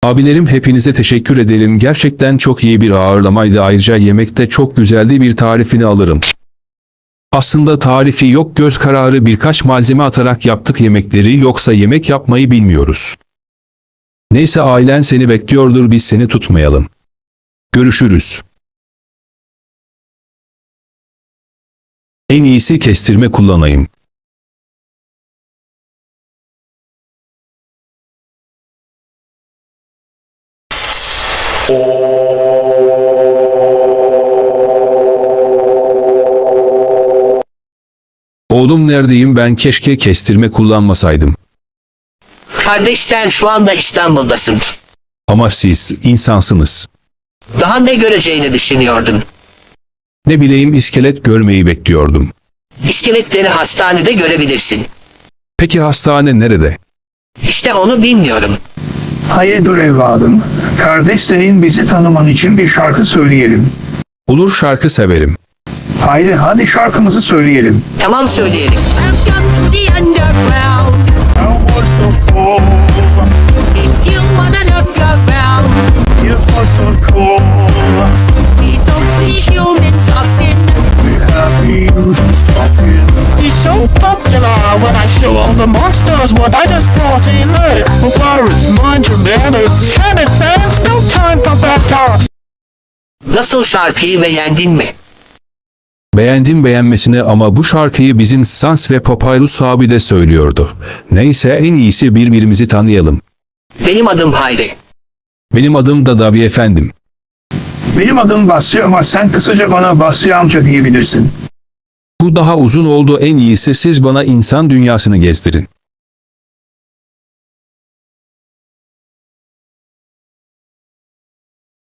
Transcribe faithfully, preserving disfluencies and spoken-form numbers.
Abilerim hepinize teşekkür ederim. Gerçekten çok iyi bir ağırlamaydı. Ayrıca yemekte çok güzeldi. Bir tarifini alırım. Aslında tarifi yok, göz kararı birkaç malzeme atarak yaptık yemekleri, yoksa yemek yapmayı bilmiyoruz. Neyse, ailen seni bekliyordur, biz seni tutmayalım. Görüşürüz. En iyisi kestirme kullanayım. Oğlum neredeyim ben, keşke kestirme kullanmasaydım. Kardeş, sen şu anda İstanbul'dasın. Ama siz insansınız. Daha ne göreceğini düşünüyordun? Ne bileyim, iskelet görmeyi bekliyordum. İskeletleri hastanede görebilirsin. Peki hastane nerede? İşte onu bilmiyorum. Hayırdır evladım? Kardeş, senin bizi tanıman için bir şarkı söyleyelim. Olur, şarkı severim. Haydi hadi şarkımızı söyleyelim. Tamam, söyleyelim. Welcome to the underground. If you wanna look around, we don't see humans often. He's so popular when I show all the monsters what I just brought in there. For pirates, mind your manners. Planet fans, no time for bad talks. Nasıl, şarkıyı beğendin mi? Beğendim beğenmesine, ama bu şarkıyı bizim Sans ve Papyrus abi de söylüyordu. Neyse, en iyisi birbirimizi tanıyalım. Benim adım Hayri. Benim adım da Davi efendim. Benim adım Basri ama sen kısaca bana Basri amca diyebilirsin. Bu daha uzun oldu, en iyisi siz bana insan dünyasını gezdirin.